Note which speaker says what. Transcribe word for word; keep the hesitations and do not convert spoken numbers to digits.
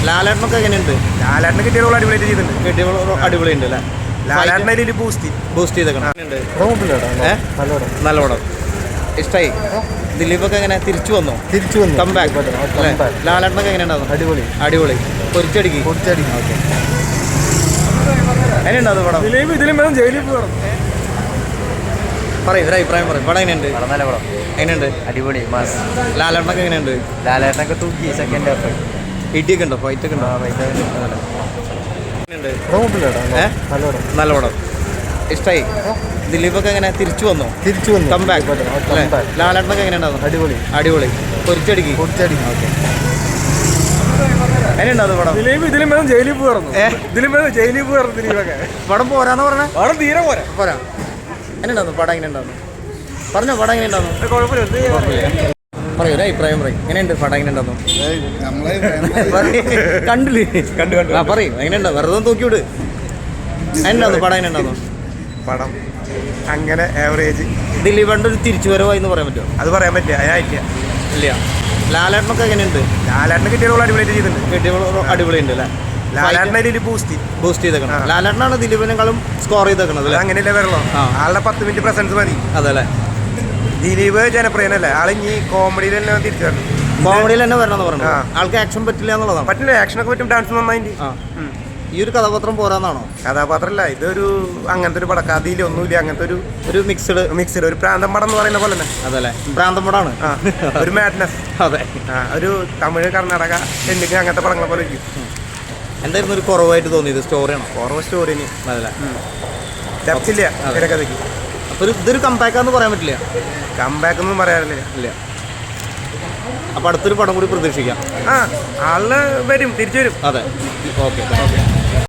Speaker 1: ലാലേട്ടനൊക്കെ എങ്ങനെയുണ്ട്?
Speaker 2: ലാലേട്ടനെ കിട്ടിയ റോൾ അടിപൊളിയായിട്ട് ചെയ്തിട്ടുണ്ട്.
Speaker 1: കിട്ടിയ അടിപൊളിയുണ്ട് അല്ലേ?
Speaker 2: ലാലേട്ടനെ ബൂസ്റ്റ്
Speaker 1: ബൂസ്റ്റ് ചെയ്തേക്കണം. നല്ല പടം ഇഷ്ടമായി. ദിലീപൊക്കെ എങ്ങനെ തിരിച്ചു വന്നോ?
Speaker 2: തിരിച്ചു വന്നു.
Speaker 1: Come back. ലാലേട്ടനൊക്കെ എങ്ങനെയുണ്ടാവും? അടിപൊളി അടിപൊളി പൊരിച്ചടിക്ക്
Speaker 2: പൊരിച്ചടി.
Speaker 1: എങ്ങനെയുണ്ടാവും പടം?
Speaker 2: ദിലീപ് ഇതിലും വേണം ജയിലിൽ പോകണം.
Speaker 1: പറയും ഒരു അഭിപ്രായം പറയും. പടം എങ്ങനെയുണ്ട്?
Speaker 2: നല്ല പടം
Speaker 1: എങ്ങനെയുണ്ട്?
Speaker 2: അടിപൊളി മാസ്.
Speaker 1: ലാലേട്ടനൊക്കെ എങ്ങനെയുണ്ട്?
Speaker 2: ലാലേട്ടനൊക്കെ തൂക്കി സെക്കൻഡ് ഹാഫ്.
Speaker 1: ഇടിയൊക്കെ ഉണ്ടോ? ഫൈറ്റ് ഒക്കെ ഉണ്ടോ? നല്ല പടം ഇഷ്ടമായി. ദിലീപൊക്കെ എങ്ങനെ തിരിച്ചു വന്നോ?
Speaker 2: തിരിച്ചു വന്നു.
Speaker 1: Come back. ലാലേട്ടനൊക്കെ എങ്ങനെയുണ്ടാവും?
Speaker 2: അടിപൊളി
Speaker 1: അടിപൊളി പൊരിച്ചടിക്ക്
Speaker 2: പൊരിച്ചടി.
Speaker 1: എങ്ങനെയുണ്ടാവും പടം?
Speaker 2: ദിലീപ് ഇതിലും വേണം ജയിലിൽ പോകണം. ഇതിലും വേണം ജയിലിൽ പോകണം. ദിലീപൊക്കെ
Speaker 1: പടം പോരാന്ന് പറഞ്ഞേ?
Speaker 2: പടം തീരെ പോരാ
Speaker 1: പോരാ. എങ്ങനെയുണ്ടാവും പടം? എങ്ങനെയുണ്ടാവും പറഞ്ഞോ? പടം എങ്ങനെയുണ്ടാവും? പറയൂ ഒരു അഭിപ്രായം പറയും. എങ്ങനെയുണ്ട് പടം? എങ്ങനെയുണ്ടാവും? കണ്ടില്ലേ?
Speaker 2: കണ്ടു കണ്ടു
Speaker 1: ആ പറയും. എങ്ങനെയുണ്ടാവും? വെറുതെ തൂക്കിവിട്. എങ്ങനെയുണ്ടാവും പടം? എങ്ങനെയുണ്ടാവും
Speaker 2: പടം? അങ്ങനെ ആവറേജ്.
Speaker 1: ദിലീപേണ്ട ഒരു തിരിച്ചുവരവായി എന്ന് പറയാൻ പറ്റുമോ?
Speaker 2: അത് പറയാൻ പറ്റില്ല. അതിനായിട്ടില്ല.
Speaker 1: ഇല്ല. ലാലേട്ടനൊക്കെ എങ്ങനെയുണ്ട്?
Speaker 2: ലാലേട്ടനെ കിട്ടിയ റോൾ അടിപൊളിയായിട്ട് ചെയ്തിട്ടുണ്ട്.
Speaker 1: കിട്ടിയ അടിപൊളിയുണ്ട് അല്ലേ?
Speaker 2: ലാലേട്ടനെ ബൂസ്റ്റ്
Speaker 1: ബൂസ്റ്റ് ചെയ്തേക്കണം. ലാലേട്ടനാണ് ദിലീപിനെക്കാളും സ്കോർ ചെയ്തേക്കണത് അല്ലേ?
Speaker 2: അങ്ങനെയല്ലേ വരണോ? ആളുടെ പത്ത് മിനിറ്റ് പ്രസൻസ് മതി.
Speaker 1: അതല്ലേ?
Speaker 2: ദിലീപ് ജനപ്രിയനല്ലേ? ആളിഞ്ഞി കോമഡിയിൽ തന്നെ തിരിച്ചു വരണം.
Speaker 1: കോമഡിയിൽ തന്നെ വരണമെന്ന് പറഞ്ഞു. ആൾക്ക് ആക്ഷൻ പറ്റില്ല എന്നുള്ളതാണ്.
Speaker 2: പറ്റില്ല. ആക്ഷനൊക്കെ പറ്റും. ഡാൻസ് നന്നായിട്ട്.
Speaker 1: ഈ ഒരു കഥാപാത്രം പോരാന്നാണോ?
Speaker 2: കഥാപാത്രമല്ല, ഇതൊരു അങ്ങനത്തെ ഒരു പടം. കഥയിലൊന്നുമില്ല. അങ്ങനത്തെ ഒരു
Speaker 1: ഒരു മിക്സ്ഡ്
Speaker 2: മിക്സ്ഡ് ഒരു പ്രാന്തം പടം എന്ന് പറയുന്ന പോലെ തന്നെ.
Speaker 1: അതല്ലേ? പ്രാന്തം പടമാണ്.
Speaker 2: ഒരു മാഡ്നസ്.
Speaker 1: അതെ.
Speaker 2: ഒരു തമിഴ്, കർണാടക, തെലുങ്ക് അങ്ങനത്തെ പടങ്ങളെ പോലെ ഇരിക്കും.
Speaker 1: എന്തായിരുന്നു ഒരു കുറവായിട്ട് തോന്നിയത്? സ്റ്റോറിയാണോ?
Speaker 2: കുറവ് സ്റ്റോറിന്.
Speaker 1: അതല്ലേ?
Speaker 2: ഡെപ്തില്ല തിരക്കഥയ്ക്ക്.
Speaker 1: അപ്പോൾ ഇതൊരു കംബാക്കാന്ന് പറയാൻ പറ്റില്ല.
Speaker 2: കംബാക്ക് ഒന്നും പറയാറില്ല.
Speaker 1: ഇല്ല. അപ്പോൾ അടുത്തൊരു പടം കൂടി പ്രതീക്ഷിക്കാം.
Speaker 2: ആ ആള് വരും, തിരിച്ചു വരും.
Speaker 1: അതെ. ഓക്കെ.